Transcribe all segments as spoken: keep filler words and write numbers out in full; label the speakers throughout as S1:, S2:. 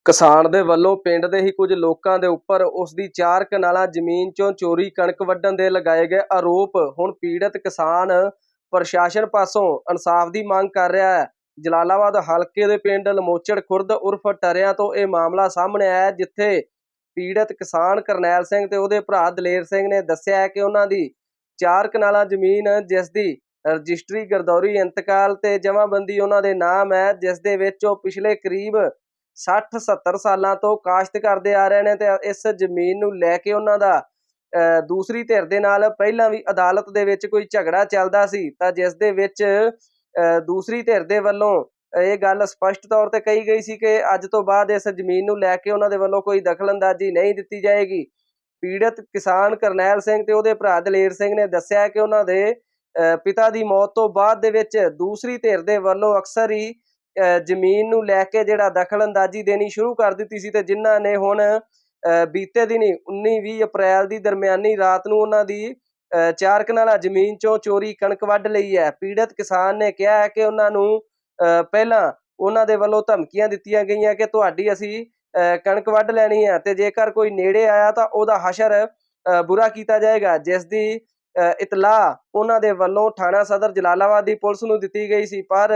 S1: ਕਿਸਾਨ ਦੇ ਵੱਲੋਂ ਪਿੰਡ ਦੇ ਹੀ ਕੁਝ ਲੋਕਾਂ ਦੇ ਉੱਪਰ ਉਸ ਦੀ ਚਾਰ ਕਨਾਲਾਂ ਜ਼ਮੀਨ ਚੋਂ ਚੋਰੀ ਕਣਕ ਵੱਢਣ ਦੇ ਲਗਾਏ ਗਏ ਆਰੋਪ ਹੁਣ ਪੀੜਤ ਕਿਸਾਨ ਪ੍ਰਸ਼ਾਸਨ ਪਾਸੋਂ ਇਨਸਾਫ ਦੀ ਮੰਗ ਕਰ ਰਿਹਾ ਹੈ। ਜਲਾਲਾਬਾਦ ਹਲਕੇ ਦੇ ਪਿੰਡ ਲਮੋਚੜ ਖੁਰਦ ਉਰਫ ਟਰਿਆਂ ਤੋਂ ਇਹ ਮਾਮਲਾ ਸਾਹਮਣੇ ਆਇਆ, ਜਿੱਥੇ ਪੀੜਤ ਕਿਸਾਨ ਕਰਨੈਲ ਸਿੰਘ ਤੇ ਉਹਦੇ ਭਰਾ ਦਲੇਰ ਸਿੰਘ ਨੇ ਦੱਸਿਆ ਹੈ ਕਿ ਉਹਨਾਂ ਦੀ ਚਾਰ ਕਨਾਲਾਂ ਜ਼ਮੀਨ, ਜਿਸ ਦੀ ਰਜਿਸਟਰੀ ਗਰਦੌਰੀ ਇੰਤਕਾਲ ਤੇ ਜਮਾਬੰਦੀ ਉਹਨਾਂ ਦੇ ਨਾਮ ਹੈ, ਜਿਸ ਦੇ ਵਿੱਚ ਉਹ ਪਿਛਲੇ ਕਰੀਬ ਸੱਠ ਸੱਤਰ ਸਾਲਾਂ ਤੋਂ ਕਾਸ਼ਤ ਕਰਦੇ ਆ ਰਹੇ ਨੇ, ਤੇ ਇਸ ਜ਼ਮੀਨ ਨੂੰ ਲੈ ਕੇ ਉਹਨਾਂ ਦਾ ਦੂਸਰੀ ਧਿਰ ਦੇ ਨਾਲ ਪਹਿਲਾਂ ਵੀ ਅਦਾਲਤ ਦੇ ਵਿੱਚ ਕੋਈ ਝਗੜਾ ਚੱਲਦਾ ਸੀ, ਤਾਂ ਜਿਸ ਦੇ ਵਿੱਚ ਦੂਸਰੀ ਧਿਰ ਦੇ ਵੱਲੋਂ ਇਹ ਗੱਲ ਸਪਸ਼ਟ ਤੌਰ ਤੇ ਕਹੀ ਗਈ ਸੀ ਕਿ ਅੱਜ ਤੋਂ ਬਾਅਦ ਇਸ ਜ਼ਮੀਨ ਨੂੰ ਲੈ ਕੇ ਉਹਨਾਂ ਦੇ ਵੱਲੋਂ ਕੋਈ ਦਖਲਅੰਦਾਜ਼ੀ ਨਹੀਂ ਦਿੱਤੀ ਜਾਏਗੀ। ਪੀੜਤ ਕਿਸਾਨ ਕਰਨੈਲ ਸਿੰਘ ਤੇ ਉਹਦੇ ਭਰਾ ਦਲੇਰ ਸਿੰਘ ਨੇ ਦੱਸਿਆ ਕਿ ਉਹਨਾਂ ਦੇ ਪਿਤਾ ਦੀ ਮੌਤ ਤੋਂ ਬਾਅਦ ਦੇ ਵਿੱਚ ਦੂਸਰੀ ਧਿਰ ਦੇ ਵੱਲੋਂ ਅਕਸਰ ਹੀ ਜ਼ਮੀਨ ਨੂੰ ਲੈ ਕੇ ਜਿਹੜਾ ਦਖਲਅੰਦਾਜ਼ੀ ਦੇਣੀ ਸ਼ੁਰੂ ਕਰ ਦਿੱਤੀ ਸੀ, ਤੇ ਜਿਨ੍ਹਾਂ ਨੇ ਹੁਣ ਬੀਤੇ ਦਿਨੀ ਉੱਨੀ ਵੀਹ ਅਪ੍ਰੈਲ ਦੀ ਦਰਮਿਆਨੀ ਰਾਤ ਨੂੰ ਉਹਨਾਂ ਦੀ ਚਾਰ ਕਨਾਲਾਂ ਜ਼ਮੀਨ ਚੋਂ ਚੋਰੀ ਕਣਕ ਵੱਢ ਲਈ ਹੈ। ਪੀੜਤ ਕਿਸਾਨ ਨੇ ਕਿਹਾ ਹੈ ਕਿ ਉਹਨਾਂ ਨੂੰ ਪਹਿਲਾਂ ਉਹਨਾਂ ਦੇ ਵੱਲੋਂ ਧਮਕੀਆਂ ਦਿੱਤੀਆਂ ਗਈਆਂ ਕਿ ਤੁਹਾਡੀ ਅਸੀਂ ਕਣਕ ਵੱਢ ਲੈਣੀ ਹੈ, ਤੇ ਜੇਕਰ ਕੋਈ ਨੇੜੇ ਆਇਆ ਤਾਂ ਉਹਦਾ ਹਸ਼ਰ ਬੁਰਾ ਕੀਤਾ ਜਾਏਗਾ, ਜਿਸ ਦੀ ਇਤਲਾਹ ਉਹਨਾਂ ਦੇ ਵੱਲੋਂ ਥਾਣਾ ਸਦਰ ਜਲਾਲਾਬਾਦ ਦੀ ਪੁਲਿਸ ਨੂੰ ਦਿੱਤੀ ਗਈ ਸੀ। ਪਰ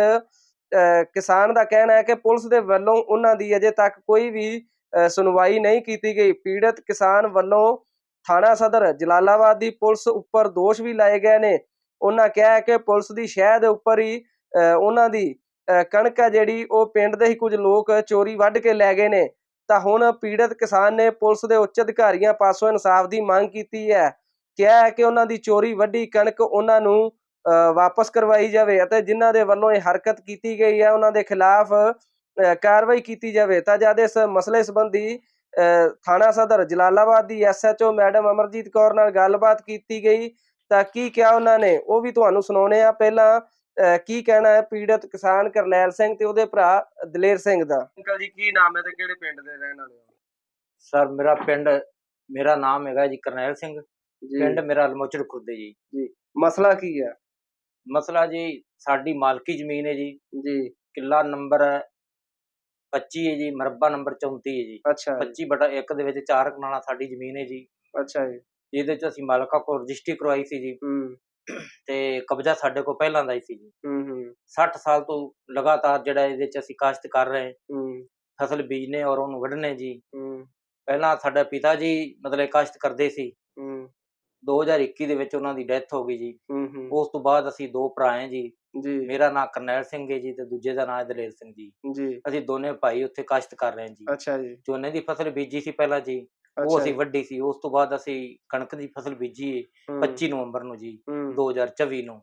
S1: ਕਿਸਾਨ ਦਾ ਕਹਿਣਾ ਹੈ ਕਿ ਪੁਲਿਸ ਦੇ ਵੱਲੋਂ ਉਹਨਾਂ ਦੀ ਅਜੇ ਤੱਕ ਕੋਈ ਵੀ ਸੁਣਵਾਈ ਨਹੀਂ ਕੀਤੀ ਗਈ। ਪੀੜਤ ਕਿਸਾਨ ਵੱਲੋਂ ਥਾਣਾ ਸਦਰ ਜਲਾਲਾਬਾਦ ਦੀ ਪੁਲਿਸ ਉੱਪਰ ਦੋਸ਼ ਵੀ ਲਾਏ ਗਏ ਨੇ। ਉਹਨਾਂ ਕਿਹਾ ਹੈ ਕਿ ਪੁਲਿਸ ਦੀ ਸ਼ਹਿ ਦੇ ਉੱਪਰ ਹੀ ਉਹਨਾਂ ਦੀ ਕਣਕ ਹੈ ਜਿਹੜੀ ਉਹ ਪਿੰਡ ਦੇ ਹੀ ਕੁਝ ਲੋਕ ਚੋਰੀ ਵੱਢ ਕੇ ਲੈ ਗਏ ਨੇ। ਤਾਂ ਹੁਣ ਪੀੜਤ ਕਿਸਾਨ ਨੇ ਪੁਲਿਸ ਦੇ ਉੱਚ ਅਧਿਕਾਰੀਆਂ ਪਾਸੋਂ ਇਨਸਾਫ ਦੀ ਮੰਗ ਕੀਤੀ ਹੈ। ਕਿਹਾ ਹੈ ਕਿ ਉਹਨਾਂ ਦੀ ਚੋਰੀ ਵੱਢੀ ਕਣਕ ਉਹਨਾਂ ਨੂੰ ਵਾਪਸ ਕਰਵਾਈ ਜਾਵੇ, ਅਤੇ ਜਿਨ੍ਹਾਂ ਦੇ ਵੱਲੋਂ ਇਹ ਹਰਕਤ ਕੀਤੀ ਗਈ ਹੈ ਉਹਨਾਂ ਦੇ ਖਿਲਾਫ ਕਾਰਵਾਈ ਕੀਤੀ ਜਾਵੇ। ਤਾਂ ਜਦ ਇਸ ਮਸਲੇ ਸੰਬੰਧੀ ਥਾਣਾ ਸਦਰ ਜਲਾਲਾਬਾਦ ਦੀ S H O madam Amarjeet Kaur ਨਾਲ ਗੱਲਬਾਤ ਕੀਤੀ ਗਈ, ਤਾਂ ਕੀ ਕਿਹਾ ਉਹਨਾਂ ਨੇ ਉਹ ਵੀ ਤੁਹਾਨੂੰ ਸੁਣਾਉਣੇ ਆ। ਪਹਿਲਾਂ ਕੀ ਕਹਿਣਾ ਹੈ ਪੀੜਤ ਕਿਸਾਨ ਕਰਨੈਲ ਸਿੰਘ ਤੇ ਉਹਦੇ ਭਰਾ ਦਲੇਰ ਸਿੰਘ ਦਾ। ਅੰਕਲ ਜੀ, ਕੀ ਨਾਮ ਹੈ ਤੇ ਕਿਹੜੇ ਪਿੰਡ ਦੇ ਰਹਿਣ ਵਾਲੇ ਹੋ?
S2: ਸਰ, ਮੇਰਾ ਪਿੰਡ ਮੇਰਾ ਨਾਮ ਹੈਗਾ ਜੀ ਕਰਨੈਲ ਸਿੰਘ, ਪਿੰਡ ਮੇਰਾ ਲਮੋਚੜ ਖੁਰਦ ਜੀ।
S1: ਜੀ, ਮਸਲਾ ਕੀ ਹੈ?
S2: ਮਸਲਾ ਜੀ, ਸਾਡੀ ਮਾਲਕੀ ਜ਼ਮੀਨ ਹੈ ਜੀ।
S1: ਜੀ,
S2: ਕਿੱਲਾ ਨੰਬਰ ਪੱਚੀ ਹੈ ਜੀ, ਮਰਬਾ ਨੰਬਰ ਚੌਂਤੀ ਹੈ ਜੀ।
S1: ਅੱਛਾ,
S2: ਪੱਚੀ ਬਟਾ ਇੱਕ ਦੇ ਵਿੱਚ ਚਾਰ ਕਨਾਲਾਂ ਸਾਡੀ ਜ਼ਮੀਨ ਹੈ ਜੀ।
S1: ਅੱਛਾ ਜੀ।
S2: ਜਿਹਦੇ ਚ ਅਸੀਂ ਮਾਲਕਾਂ ਕੋਲ ਰਜਿਸਟਰੀ ਕਰਵਾਈ ਸੀ ਜੀ, ਤੇ ਕਬਜ਼ਾ ਸਾਡੇ ਕੋਲ ਪਹਿਲਾਂ ਦਾ ਹੀ ਸੀ ਜੀ। ਸੱਠ ਸਾਲ ਤੋਂ ਲਗਾਤਾਰ ਜਿਹੜਾ ਇਹਦੇ ਚ ਅਸੀਂ ਕਾਸ਼ਤ ਕਰ ਰਹੇ, ਫਸਲ ਬੀਜਨੇ ਔਰ ਉਹਨੂੰ ਵੱਢਣੇ ਜੀ। ਪਹਿਲਾਂ ਸਾਡਾ ਪਿਤਾ ਜੀ ਮਤਲਬ ਕਾਸ਼ਤ ਕਰਦੇ ਸੀ, ਦੋ ਹਜ਼ਾਰ ਇੱਕੀ ਦੇ ਵਿੱਚ ਉਹਨਾਂ ਦੀ ਡੈਥ ਹੋ ਗਈ ਜੀ। ਉਸ ਤੋਂ ਬਾਅਦ ਅਸੀਂ ਦੋ ਭਰਾ ਹੈ ਜੀ। ਮੇਰਾ ਨਾਂ ਕਰਨੈਲ ਸਿੰਘ ਹੈ ਜੀ, ਤੇ ਦੂਜੇ ਦਾ ਨਾਂ ਦਲੇਰ ਸਿੰਘ ਜੀ। ਅਸੀਂ ਦੋਨੇ ਭਾਈ ਉੱਥੇ ਕਾਸ਼ਤ ਕਰ ਰਹੇ ਜੀ।
S1: ਅੱਛਾ ਜੀ।
S2: ਝੋਨੇ ਦੀ ਫਸਲ ਬੀਜੀ ਸੀ ਪਹਿਲਾਂ ਜੀ, ਉਹ ਅਸੀਂ ਵੱਢੀ ਸੀ। ਉਸ ਤੋਂ ਬਾਅਦ ਅਸੀਂ ਕਣਕ ਦੀ ਫਸਲ ਬੀਜੀ ਪੱਚੀ ਨਵੰਬਰ ਨੂੰ ਜੀ, ਦੋ ਹਜ਼ਾਰ ਚੌਵੀ ਨੂੰ।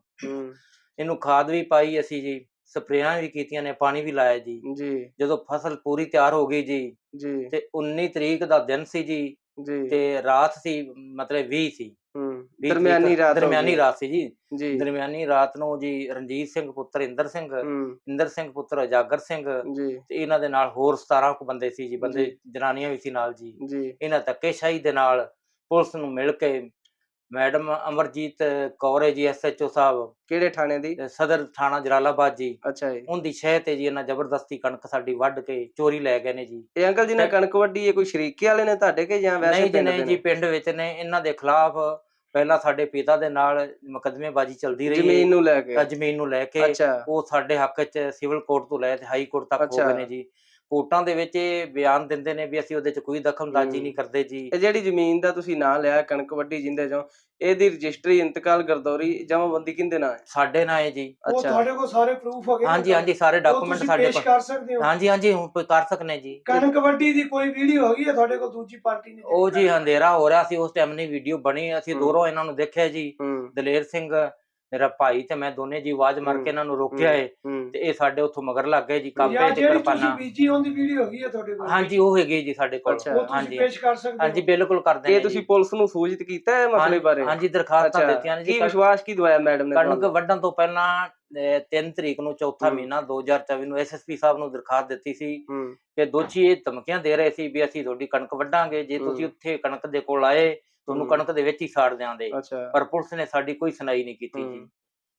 S2: ਇਹਨੂੰ ਖਾਦ ਵੀ ਪਾਈ ਅਸੀਂ ਜੀ, ਸਪਰੇਆਂ ਵੀ ਕੀਤੀਆਂ ਨੇ, ਪਾਣੀ ਵੀ ਲਾਇਆ ਜੀ। ਜਦੋਂ ਫਸਲ ਪੂਰੀ ਤਿਆਰ ਹੋ ਗਈ ਜੀ, ਤੇ ਉੱਨੀ ਤਰੀਕ ਦਾ ਦਿਨ ਸੀ ਜੀ, ਤੇ ਰਾਤ ਸੀ ਮਤਲਬ ਵੀਹ ਸੀ,
S1: ਦਰਮਿਆਨੀ ਰਾਤ
S2: ਦਰਮਿਆਨੀ ਰਾਤ ਸੀ ਜੀ। ਦਰਮਿਆਨੀ ਰਾਤ ਨੂੰ ਜੀ ਰਣਜੀਤ ਸਿੰਘ ਪੁੱਤਰ ਇੰਦਰ ਸਿੰਘ, ਇੰਦਰ ਸਿੰਘ ਪੁੱਤਰ ਉਜਾਗਰ ਸਿੰਘ, ਤੇ ਇਹਨਾਂ ਦੇ ਨਾਲ ਹੋਰ ਸਤਾਰਾਂ ਕੁ ਬੰਦੇ ਸੀ ਜੀ, ਬੰਦੇ ਜਨਾਨੀਆਂ ਵੀ ਸੀ ਨਾਲ ਜੀ। ਇਹਨਾਂ ਧੱਕੇਸ਼ਾਹੀ ਦੇ ਨਾਲ ਪੁਲਿਸ ਨੂੰ ਮਿਲ ਕੇ ਮੈਡਮ ਅਮਰਜੀਤ ਕੌਰ ਹੈ ਜੀ, ਐਸ ਐਚ ਓ ਸਾਹਿਬ।
S1: ਕਿਹੜੇ ਥਾਣੇ ਦੀ?
S2: ਸਦਰ ਥਾਣਾ ਜਲਾਲਾਬਾਦ ਜੀ।
S1: ਅੱਛਾ ਜੀ।
S2: ਉਹਦੀ ਸ਼ਹਿ ਤੇ ਜੀ ਇਹਨਾਂ ਜ਼ਬਰਦਸਤੀ ਕਣਕ ਸਾਡੀ ਵੱਢ ਕੇ ਚੋਰੀ ਲੈ ਗਏ ਨੇ ਜੀ।
S1: ਇਹ ਅੰਕਲ ਜੀ ਨੇ ਕਣਕ ਵੱਢੀ ਹੈ ਕੋਈ ਸ਼ਰੀਕੇ ਵਾਲੇ ਨੇ ਤੁਹਾਡੇ ਕੇ ਜਾਂ ਵੈਸੇ?
S2: ਨਹੀਂ ਜੀ, ਨਹੀਂ ਜੀ, ਪਿੰਡ ਵਿੱਚ ਨੇ। ਇਹਨਾਂ ਦੇ ਖਿਲਾਫ ਪਹਿਲਾਂ ਸਾਡੇ ਪਿਤਾ ਦੇ ਨਾਲ ਮੁਕੱਦਮੇਬਾਜ਼ੀ ਚੱਲਦੀ ਰਹੀ
S1: ਜ਼ਮੀਨ ਨੂੰ ਲੈ ਕੇ।
S2: ਜ਼ਮੀਨ ਨੂੰ ਲੈ ਕੇ ਉਹ ਸਾਡੇ ਹੱਕ ਚ ਸਿਵਲ ਕੋਰਟ ਤੋਂ ਲੈ ਤੇ ਹਾਈ ਕੋਰਟ ਤੱਕ ਹੋ ਗਏ ਨੇ ਜੀ। ਕੋਰਟਾਂ ਦੇ ਵਿੱਚ ਇਹ ਬਿਆਨ ਦਿੰਦੇ ਨੇ ਵੀ ਅਸੀਂ ਉਹਦੇ ਚ ਕੋਈ ਦਖਲਅੰਦਾਜ਼ੀ ਨਹੀਂ ਕਰਦੇ ਜੀ।
S1: ਇਹ ਜਿਹੜੀ ਜ਼ਮੀਨ ਦਾ ਤੁਸੀਂ ਨਾਂ ਲਿਆ ਕਣਕ ਵੱਢੀ ਜਿੰਦੇ ਚੋਂ, ਇਹਦੀ ਰਜਿਸਟਰੀ ਇੰਤਕਾਲ ਗਰਦੌਰੀ ਜਮਾਬੰਦੀ ਕਿਹਦੇ ਨਾਂ ਹੈ?
S2: ਸਾਡੇ ਨਾਂ ਹੈ ਜੀ।
S3: ਉਹ ਤੁਹਾਡੇ ਕੋਲ ਸਾਰੇ ਪ੍ਰੂਫ ਹੈਗੇ?
S2: ਹਾਂਜੀ ਹਾਂਜੀ, ਸਾਰੇ ਡਾਕੂਮੈਂਟ ਸਾਡੇ ਕੋਲ।
S3: ਪੇਸ਼ ਕਰ ਸਕਦੇ ਹੋ?
S2: ਹਾਂਜੀ ਹਾਂਜੀ, ਹੁਣ ਕਰ ਸਕਨੇ ਜੀ।
S3: ਕਣਕ ਵੱਢੀ ਦੀ ਕੋਈ ਵੀਡੀਓ ਹੈਗੀ ਹੈ ਤੁਹਾਡੇ ਕੋਲ ਦੂਜੀ ਪਾਰਟੀ ਨੇ?
S2: ਉਹ ਜੀ ਹਨੇਰਾ ਹੋ ਰਿਹਾ ਸੀ ਉਸ ਟਾਈਮ ਨਹੀਂ ਵੀਡੀਓ ਬਣੀ। ਅਸੀਂ ਦੂਰੋਂ ਇਹਨਾਂ ਨੂੰ ਦੇਖਿਆ ਜੀ, ਦਲੇਰ ਸਿੰਘ ਮੇਰਾ ਭਾਈ ਤੇ ਮੈਂ ਦੋਨੇ ਜੀ ਆਵਾਜ਼ ਮਾਰ ਕੇ ਇਹਨਾਂ ਨੂੰ ਰੋਕਿਆ ਏ, ਤੇ ਇਹ ਸਾਡੇ ਉੱਥੋਂ ਮਗਰ ਲੱਗ ਗਏ ਜੀ। ਕਾਪੇ ਤੇ ਕਿਰਪਾਨਾਂ
S3: ਬੀਜੀ ਉਹਦੀ ਵੀਡੀਓ ਹੈਗੀ ਹੈ ਤੁਹਾਡੇ ਕੋਲ?
S2: ਹਾਂਜੀ, ਉਹ ਹੈਗੀ ਜੀ ਸਾਡੇ ਕੋਲ।
S3: ਹਾਂਜੀ, ਪੇਸ਼ ਕਰ ਸਕਦੇ ਹੋ?
S2: ਹਾਂਜੀ, ਬਿਲਕੁਲ ਕਰਦੇ
S1: ਨੇ। ਇਹ ਤੁਸੀਂ ਪੁਲਿਸ ਨੂੰ ਸੂਚਿਤ ਕੀਤਾ ਹੈ ਮਸਲੇ ਬਾਰੇ?
S2: ਹਾਂਜੀ, ਦਰਖਾਸਤਾਂ ਦਿੱਤੀਆਂ ਨੇ ਜੀ।
S1: ਕੀ ਵਿਸ਼ਵਾਸ ਕੀ ਦਵਾਇਆ ਮੈਡਮ ਨੇ?
S2: ਕਣਕ ਵੱਢਣ ਤੋਂ ਪਹਿਲਾਂ ਤਿੰਨ ਤਰੀਕ ਨੂੰ ਚੌਥਾ ਮਹੀਨਾ ਦੋ ਹਜ਼ਾਰ ਚੌਵੀ ਨੂੰ ਐਸ ਐਸ ਪੀ ਸਾਹਿਬ ਨੂੰ ਦਰਖਾਸਤ ਦਿੱਤੀ ਸੀ ਕਿ ਦੋਸ਼ੀ ਇਹ ਧਮਕੀਆਂ ਦੇ ਰਹੇ ਸੀ ਵੀ ਅਸੀਂ ਤੁਹਾਡੀ ਕਣਕ ਵੱਢਾਂਗੇ, ਜੇ ਤੁਸੀਂ ਉੱਥੇ ਕਣਕ ਦੇ ਕੋਲ ਆਏ ਤੁਹਾਨੂੰ ਕਣਕ ਦੇ ਵਿੱਚ ਹੀ ਸਾੜ ਦਿਆਂਗੇ। ਪਰ ਪੁਲਿਸ ਨੇ ਸਾਡੀ ਕੋਈ ਸੁਣਾਈ ਨਹੀਂ ਕੀਤੀ ਜੀ।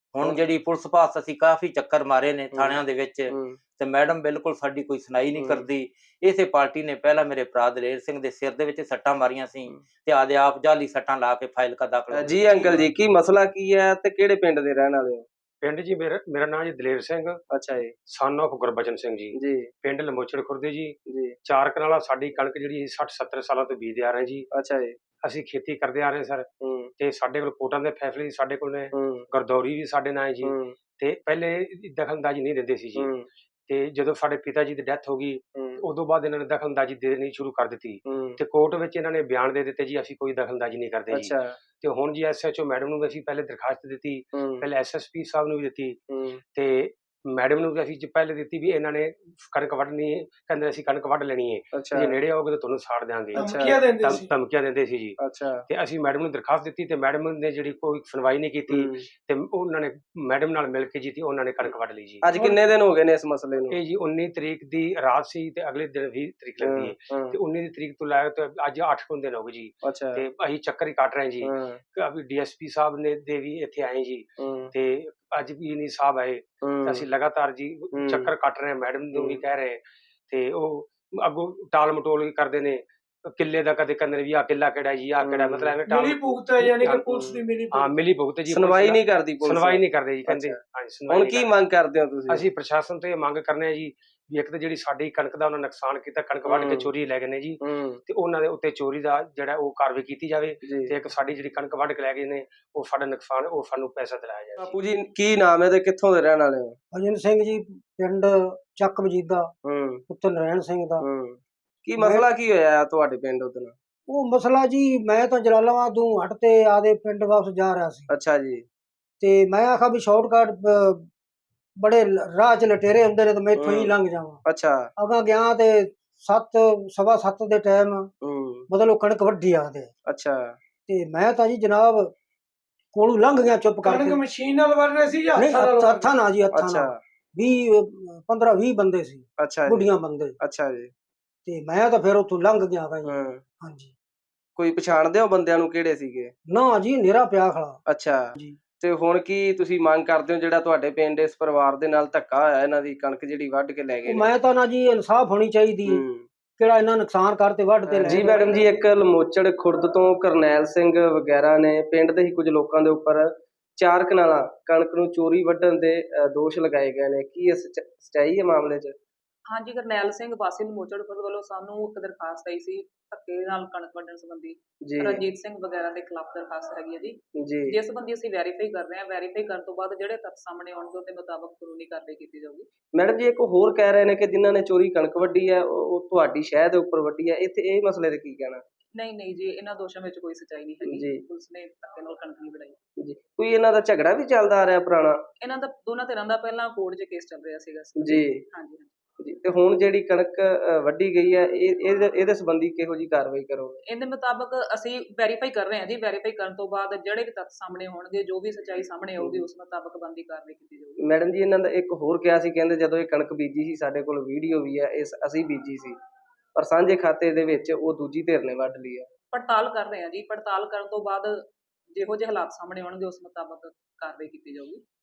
S2: ਹੁਣ ਜਿਹੜੀ ਪੁਲਿਸ ਪਾਸ ਅਸੀਂ ਕਾਫੀ ਚੱਕਰ ਮਾਰੇ ਨੇ
S1: ਹੂੰ।
S2: ਥਾਣਿਆਂ ਦੇ ਵਿੱਚ,
S1: ਹੂੰ।
S2: ਤੇ ਮੈਡਮ ਬਿਲਕੁਲ ਸਾਡੀ ਕੋਈ ਸੁਣਾਈ ਨਹੀਂ
S1: ਹੂੰ।
S2: ਕਰਦੀ। ਇਸੇ ਪਾਰਟੀ ਨੇ ਪਹਿਲਾਂ ਮੇਰੇ ਭਰਾ ਦਲੇਰ ਸਿੰਘ ਦੇ ਸਿਰ ਦੇ ਵਿੱਚ ਸੱਟਾਂ ਮਾਰੀਆਂ ਸੀ
S1: ਹੂੰ।
S2: ਤੇ ਆਦੇ ਆਪ ਜਾਲੀ ਸੱਟਾਂ ਲਾ ਕੇ ਫਾਈਲ ਕਾ ਦਾਖਲ ਹੋ
S1: ਜੀ
S2: ਗਏ।
S1: ਅੰਕਲ ਜੀ, ਕੀ ਮਸਲਾ ਕੀ ਹੈ ਤੇ ਕਿਹੜੇ ਪਿੰਡ ਦੇ ਰਹਿਣ ਵਾਲੇ ਹੋ?
S4: ਪਿੰਡ ਜੀ ਮੇਰਾ ਮੇਰਾ ਨਾਮ ਜੀ ਦਲੇਰ ਸਿੰਘ,
S1: ਅੱਛਾ ਜੀ।
S4: ਸਨ ਆਫ ਗੁਰਬਚਨ ਸਿੰਘ ਜੀ।
S1: ਜੀ।
S4: ਪਿੰਡ ਲਮੋਚੜ ਖੁਰਦੇ ਜੀ।
S1: ਜੀ।
S4: ਚਾਰ ਕਨਾਲਾ ਸਾਡੀ ਕਣਕ ਜਿਹੜੀ ਸੱਠ ਸੱਤਰ ਸਾਲਾਂ ਤੋਂ ਬੀਜਦੇ ਆ ਰਹੇ ਜੀ।
S1: ਅੱਛਾ ਜੀ।
S4: ਅਸੀਂ ਖੇਤੀ ਕਰਦੇ ਆ ਰਹੇ ਸਰ,
S1: ਹੂੰ।
S4: ਤੇ ਸਾਡੇ ਕੋਲ ਕੋਟਾਂ ਦੇ ਫੈਸਲੇ ਵੀ ਸਾਡੇ ਕੋਲ ਨੇ,
S1: ਹੂੰ।
S4: ਗਰਦੌਰੀ ਵੀ ਸਾਡੇ ਨਾਲ ਹੈ ਜੀ।
S1: ਹੂੰ।
S4: ਤੇ ਪਹਿਲੇ ਦਖਲਅੰਦਾਜ਼ੀ ਨਹੀਂ ਦਿੰਦੇ ਸੀ ਜੀ,
S1: ਹੂੰ।
S4: ਤੇ ਜਦੋਂ ਸਾਡੇ ਪਿਤਾ ਜੀ ਦੀ ਡੈਥ ਹੋ ਗਈ
S1: ਹੂੰ।
S4: ਉਦੋਂ ਬਾਅਦ ਇਹਨਾਂ ਨੇ ਦਖਲਅੰਦਾਜ਼ੀ ਦੇਣੀ ਸ਼ੁਰੂ ਕਰ ਦਿੱਤੀ,
S1: ਹੂੰ।
S4: ਤੇ ਕੋਰਟ ਵਿੱਚ ਇਹਨਾਂ ਨੇ ਬਿਆਨ ਦੇ ਦਿੱਤੇ ਜੀ ਅਸੀਂ ਕੋਈ ਦਖਲਅੰਦਾਜ਼ੀ ਨਹੀਂ ਕਰਦੇ ਜੀ।
S1: ਅੱਛਾ।
S4: ਤੇ ਹੁਣ G S H O madam ਨੂੰ ਵੀ ਅਸੀਂ ਪਹਿਲੇ ਦਰਖਾਸਤ ਦਿੱਤੀ,
S1: ਹੂੰ।
S4: ਪਹਿਲੇ ਐਸ ਐਸ ਪੀ ਸਾਹਿਬ ਨੂੰ ਵੀ ਦਿੱਤੀ,
S1: ਹੂੰ।
S4: ਤੇ ਮੈਡਮ ਨੂੰ ਵੀ ਅਸੀਂ ਜ- ਪਹਿਲੇ ਦਿੱਤੀ ਵੀ ਇਹਨਾਂ ਨੇ ਕਣਕ ਵੱਢਣੀ ਹੈ, ਕਹਿੰਦੇ ਅਸੀਂ ਕਣਕ ਵੱਢ ਲੈਣੀ ਹੈ,
S1: ਅੱਛਾ।
S4: ਜੇ ਨੇੜੇ ਆਓਗੇ ਤਾਂ ਤੁਹਾਨੂੰ ਸਾੜ ਦਿਆਂਗੇ।
S3: ਧਮਕੀਆਂ ਦਿੰਦੇ
S4: ਧਮ-
S3: ਸੀ।
S4: ਧਮਕੀਆਂ ਦਿੰਦੇ ਸੀ ਜੀ।
S1: ਅੱਛਾ।
S4: ਤੇ ਅਸੀਂ ਮੈਡਮ ਨੂੰ ਦਰਖਾਸਤ ਦਿੱਤੀ ਤੇ ਮੈਡਮ ਨੇ ਜਿਹੜੀ ਕੋਈ ਸੁਣਵਾਈ ਨਹੀਂ ਕੀਤੀ,
S1: ਹੂੰ।
S4: ਤੇ ਉਹਨਾਂ ਨੇ ਮੈਡਮ ਨਾਲ ਮਿਲ ਕੇ ਜੀ ਤੇ ਉਹਨਾਂ ਨੇ ਕਣਕ ਵੱਢ ਲਈ ਜੀ।
S1: ਅੱਜ ਕਿੰਨੇ ਦਿਨ ਹੋ ਗਏ ਨੇ ਇਸ ਮਸਲੇ ਨੂੰ?
S4: ਇਹ ਜੀ ਉੱਨੀ ਤਰੀਕ ਦੀ ਰਾਤ ਸੀ ਤੇ ਅਗਲੇ ਦਿਨ ਵੀਹ ਤਰੀਕ ਲੱਗਦੀ ਹੈ,
S1: ਹਾਂ।
S4: ਤੇ ਉੱਨੀ ਦੀ ਤਰੀਕ ਤੋਂ ਲੈ ਕੇ ਅੱਜ ਅੱਠ ਕੁ ਦਿਨ ਹੋ ਗਏ ਜੀ।
S1: ਅੱਛਾ।
S4: ਤੇ ਅਸੀਂ ਚੱਕਰ ਹੀ ਕੱਟ ਰਹੇ ਜੀ।
S1: ਹਾਂ।
S4: ਅਭੀ ਡੀ ਐਸ ਪੀ ਸਾਹਿਬ ਨੇ ਦੇ ਵੀ ਇੱਥੇ ਆਏ ਜੀ,
S1: ਹੂੰ।
S4: ਤੇ ਅੱਜ ਵੀ ਨਹੀਂ ਸਾਹਿਬ ਆਏ, ਤੇ
S1: ਹੂੰ।
S4: ਅਸੀਂ ਲਗਾਤਾਰ ਜੀ
S1: ਹੂੰ।
S4: ਚੱਕਰ ਕੱਟ ਰਹੇ ਹਾਂ, ਮੈਡਮ ਨੂੰ ਵੀ
S1: ਹੂੰ।
S4: ਕਹਿ ਰਹੇ, ਤੇ ਉਹ ਅੱਗੋਂ ਟਾਲ ਮਟੋਲ ਵੀ ਕਰਦੇ ਨੇ, ਕਿੱਲੇ ਦਾ ਕਦੇ ਕਹਿੰਦੇ ਨੇ ਵੀ ਆਹ ਕਿੱਲਾ ਕਿਹੜਾ ਜੀ, ਆਹ ਕਿਹੜਾ,
S1: ਹੂੰ।
S4: ਮਤਲਬ ਐਵੇਂ ਟਾਲ
S3: ਮਿਲੀ ਭੁਗਤ ਹੈ, ਯਾਨੀ ਕਿ ਪੁਲਿਸ ਦੀ ਮਿਲੀ
S4: ਹਾਂ
S3: ਭੁਗਤ।
S4: ਮਿਲੀ ਭੁਗਤ ਜੀ।
S1: ਸੁਣਵਾਈ ਨਹੀਂ ਕਰਦੀ ਪੁਲਿਸ?
S4: ਸੁਣਵਾਈ ਨਹੀਂ ਕਰਦੇ ਜੀ, ਕਹਿੰਦੇ
S1: ਅੱਛਾ।
S4: ਹਾਂਜੀ ਸੁਣਵਾਈ
S1: ਹੁਣ
S4: ਨਹੀਂ
S1: ਕੀ
S4: ਕਰਦੇ।
S1: ਮੰਗ ਕਰਦੇ ਹੋ ਤੁਸੀਂ?
S4: ਅਸੀਂ ਪ੍ਰਸ਼ਾਸਨ ਤੋਂ ਇਹ ਮੰਗ ਕਰਨੇ ਆ ਜੀ ਵੀ ਇੱਕ ਤਾਂ ਜਿਹੜੀ ਸਾਡੀ ਕਣਕ ਦਾ ਉਹਨਾਂ ਨੁਕਸਾਨ ਕੀਤਾ, ਕਣਕ ਵੱਢ ਕੇ
S1: ਹੂੰ।
S4: ਚੋਰੀ ਲੈ ਗਏ ਨੇ ਜੀ,
S1: ਹੂੰ।
S4: ਤੇ ਉਹਨਾਂ ਦੇ ਉੱਤੇ ਚੋਰੀ ਦਾ ਜਿਹੜਾ ਉਹ ਕਾਰਵਾਈ ਕੀਤੀ ਜਾਵੇ,
S1: ਜੀ।
S4: ਤੇ ਇੱਕ ਸਾਡੀ ਜਿਹੜੀ ਕਣਕ ਵੱਢ ਕੇ ਲੈ ਗਏ ਨੇ ਉਹ ਸਾਡਾ ਨੁਕਸਾਨ, ਉਹ ਸਾਨੂੰ ਪੈਸਾ ਦਿਲਾਇਆ ਜਾਵੇ।
S1: ਬਾਪੂ ਜੀ, ਕੀ ਨਾਮ ਹੈ ਤੇ ਕਿੱਥੋਂ ਦੇ ਰਹਿਣ ਵਾਲੇ ਹੋ?
S5: ਅਜਨ ਸਿੰਘ ਜੀ, ਪਿੰਡ ਚੱਕ ਮਜੀਦਾ,
S1: ਹੂੰ।
S5: ਪੁੱਤਰ ਨਰੈਣ ਸਿੰਘ ਦਾ।
S1: ਹੂੰ। ਕੀ ਮਸਲਾ ਕੀ ਹੋਇਆ ਤੁਹਾਡੇ ਪਿੰਡ ਉਦੋਂ?
S5: ਉਹ ਮਸਲਾ ਜੀ, ਮੈਂ ਤਾਂ ਜਲਾਲਾਬਾਦ ਤੋਂ ਹਟ ਤੇ ਆਦੇ ਪਿੰਡ ਵਾਪਸ ਜਾ ਰਿਹਾ ਸੀ,
S1: ਅੱਛਾ ਜੀ।
S5: ਤੇ ਮੈਂ ਆਖਾ ਵੀ ਸ਼ਾਰਟਕਟ ਬੜੇ ਲ- ਰਾਹ ਚ ਲਟੇਰੇ ਹੁੰਦੇ ਨੇ, ਤੇ ਮੈਂ ਇੱਥੋਂ ਹੀ
S1: ਹੂੰ।
S5: ਲੰਘ ਜਾਵਾਂ।
S1: ਅੱਛਾ।
S5: ਅਗਾ ਗਿਆ ਤੇ ਸੱਤ ਸਵਾ ਸੱਤ ਦੇ ਟਾਈਮ
S1: ਹੂੰ।
S5: ਮਤਲਬ ਕਣਕ ਵੱਢੀ ਆਖਦੇ,
S1: ਅੱਛਾ।
S5: ਤੇ ਮੈਂ ਤਾਂ ਜੀ ਜਨਾਬ ਕੋਲੋਂ ਲੰਘ ਗਿਆ ਚੁੱਪ
S3: ਕਣਕ
S5: ਕਰਕੇ।
S3: ਮਸ਼ੀਨ ਨਾਲ ਵੱਢ ਰਹੇ ਸੀ ਜਾਂ
S5: ਨਹੀਂ,
S3: ਹੱਥਾਂ ਨਾਲ?
S5: ਹੱਥਾਂ ਨਾਲ ਜੀ, ਹੱਥਾਂ
S1: ਅੱਛਾ।
S5: ਨਾਲ। ਵੀਹ ਪੰਦਰਾਂ ਵੀਹ ਬੰਦੇ ਸੀ,
S1: ਅੱਛਾ ਜੀ।
S5: ਬੁੱਢੀਆਂ ਬੰਦੇ,
S1: ਅੱਛਾ ਜੀ।
S5: ਤੇ ਮੈਂ ਤਾਂ ਫਿਰ ਉੱਥੋਂ ਲੰਘ ਗਿਆ ਗਾ ਜੀ।
S1: ਹਾਂ।
S5: ਹਾਂਜੀ।
S1: ਕੋਈ ਪਛਾਣਦੇ ਹੋ ਬੰਦਿਆਂ ਨੂੰ ਕਿਹੜੇ ਸੀਗੇ?
S5: ਨਾ ਜੀ, ਨੇਰਾ ਪਿਆ ਖੜਾ
S1: ਅੱਛਾ।
S5: ਜੀ।
S1: ਤੇ ਹੁਣ ਕੀ ਤੁਸੀਂ ਮੰਗ ਕਰਦੇ ਹੋ ਜਿਹੜਾ ਤੁਹਾਡੇ ਪਿੰਡ ਇਸ ਪਰਿਵਾਰ ਦੇ ਨਾਲ ਧੱਕਾ ਹੋਇਆ, ਇਹਨਾਂ ਦੀ ਕਣਕ ਜਿਹੜੀ ਵੱਢ ਕੇ ਲੈ ਗਏ
S5: ਉਹ
S1: ਨੇ?
S5: ਮੈਂ ਤਾਂ ਨਾ ਜੀ, ਇਨਸਾਫ ਹੋਣੀ ਚਾਹੀਦੀ ਹੈ,
S1: ਹੂੰ।
S5: ਕਿਹੜਾ ਇਹਨਾਂ ਨੁਕਸਾਨ ਕਰਤੇ ਵੱਢ ਤੇ ਲੈ
S1: ਜੀ
S5: ਗਏ।
S1: ਮੈਡਮ ਜੀ, ਇੱਕ ਲਮੋਚੜ ਖੁਰਦ ਤੋਂ ਕਰਨੈਲ ਸਿੰਘ ਵਗੈਰਾ ਨੇ ਪਿੰਡ ਦੇ ਹੀ ਕੁਝ ਲੋਕਾਂ ਦੇ ਉੱਪਰ ਚਾਰ ਕਨਾਲਾਂ ਕਣਕ ਨੂੰ ਚੋਰੀ ਵੱਢਣ ਦੇ ਅ, ਦੋਸ਼ ਲਗਾਏ ਗਏ ਨੇ। ਕੀ ਇਹ ਸੱਚ- ਸੱਚਾਈ ਹੈ ਮਾਮਲੇ 'ਚ?
S6: ਹਾਂਜੀ, ਕਰਨੈਲ ਸਿੰਘ ਵਾਸੀ ਲਮੋਚੜ ਖੁਰਦ ਵੱਲੋਂ ਸਾਨੂੰ ਇੱਕ ਦਰਖਾਸਤ ਆਈ ਸੀ ਧੱਕੇ ਨਾਲ ਕਣਕ ਵੱਢਣ ਸੰਬੰਧੀ।
S1: ਜੀ।
S6: ਰਣਜੀਤ ਸਿੰਘ ਵਗੈਰਾ ਦੇ ਖਿਲਾਫ ਦਰਖਾਸਤ ਹੈਗੀ ਹੈ ਜੀ,
S1: ਜੀ।
S6: ਜਿਸ ਸੰਬੰਧੀ ਅਸੀਂ ਵੈਰੀਫਾਈ ਕਰ ਰਹੇ ਹਾਂ। ਵੈਰੀਫਾਈ ਕਰਨ ਤੋਂ ਬਾਅਦ ਜਿਹੜੇ ਤੱਥ ਸਾਹਮਣੇ ਆਉਣਗੇ ਉਹਦੇ ਮੁਤਾਬਕ ਕਾਨੂੰਨੀ ਕਾਰਵਾਈ ਕੀਤੀ ਜਾਊਗੀ।
S1: ਮੈਡਮ ਜੀ, ਇੱਕ ਹੋਰ ਕਹਿ ਰਹੇ ਨੇ ਕਿ ਜਿਨ੍ਹਾਂ ਨੇ ਚੋਰੀ ਕਣਕ ਵੱਢੀ ਹੈ ਉਹ ਉਹ ਤੁਹਾਡੀ ਸ਼ਹਿਰ ਦੇ ਉੱਪਰ ਵੱਢੀ ਹੈ। ਇੱਥੇ ਇਹ ਮਸਲੇ ਤੇ ਕੀ ਕਹਿਣਾ?
S6: ਨਹੀਂ ਨਹੀਂ ਜੀ, ਇਹਨਾਂ ਦੋਸ਼ਾਂ ਵਿੱਚ ਕੋਈ ਸੱਚਾਈ ਨਹੀਂ ਹੈਗੀ।
S1: ਜੀ।
S6: ਪੁਲਿਸ ਨੇ ਧੱਕੇ ਨਾਲ ਕਣਕ ਨਹੀਂ ਵਢਾਈ।
S1: ਜੀ। ਕੋਈ ਇਹਨਾਂ ਦਾ ਝਗੜਾ ਵੀ ਚੱਲਦਾ ਆ ਰਿਹਾ ਪੁਰਾਣਾ?
S6: ਇਹਨਾਂ ਦਾ ਦੋਨਾਂ ਧਿਰਾਂ ਦਾ ਪਹਿਲਾਂ ਕੋਰਟ 'ਚ ਕੇਸ ਚੱਲ ਰਿਹਾ ਸੀਗਾ।
S1: ਜੀ।
S6: ਹਾਂਜੀ।
S1: ਜੀ। ਤੇ ਹੁਣ ਜਿਹੜੀ ਕਣਕ ਅ, ਵੱਢੀ ਗਈ ਹੈ, ਇਹ ਇਹਦੇ ਇਹਦੇ ਸੰਬੰਧੀ ਕਿਹੋ ਜੀ ਕਾਰਵਾਈ ਕਰੋਗੇ?
S6: ਇਹਦੇ ਮੁਤਾਬਕ ਅਸੀਂ ਵੈਰੀਫਾਈ ਕਰ ਰਹੇ ਹਾਂ ਜੀ। ਵੈਰੀਫਾਈ ਕਰਨ ਤੋਂ ਬਾਅਦ ਜਿਹੜੇ ਵੀ ਤੱਥ ਸਾਹਮਣੇ ਹੋਣਗੇ, ਜੋ ਵੀ ਸੱਚਾਈ ਸਾਹਮਣੇ ਆਊਗੀ, ਉਸ ਮੁਤਾਬਕ ਬਣਦੀ ਕਾਰਵਾਈ ਕੀਤੀ ਜਾਊਗੀ।
S1: ਮੈਡਮ ਜੀ, ਇਹਨਾਂ ਦਾ ਇੱਕ ਹੋਰ ਕਿਹਾ ਸੀ, ਕਹਿੰਦੇ ਜਦੋਂ ਇਹ ਕਣਕ ਬੀਜੀ ਸੀ ਸਾਡੇ ਕੋਲ ਵੀਡੀਓ ਵੀ ਹੈ, ਇਸ ਅਸੀਂ ਬੀਜੀ ਸੀ, ਪਰ ਸਾਂਝੇ ਖਾਤੇ ਦੇ ਵਿੱਚ ਉਹ ਦੂਜੀ ਧਿਰ ਨੇ ਵੱਢ ਲਈ ਹੈ।
S6: ਪੜਤਾਲ ਕਰ ਰਹੇ ਹਾਂ ਜੀ। ਪੜਤਾਲ ਕਰਨ ਤੋਂ ਬਾਅਦ ਜਿਹੋ ਜਿਹੇ ਹਾਲਾਤ ਸਾਹਮਣੇ ਆਉਣਗੇ ਉਸ ਮੁਤਾਬਕ ਕਾਰਵਾਈ ਕੀਤੀ ਜਾਊਗੀ।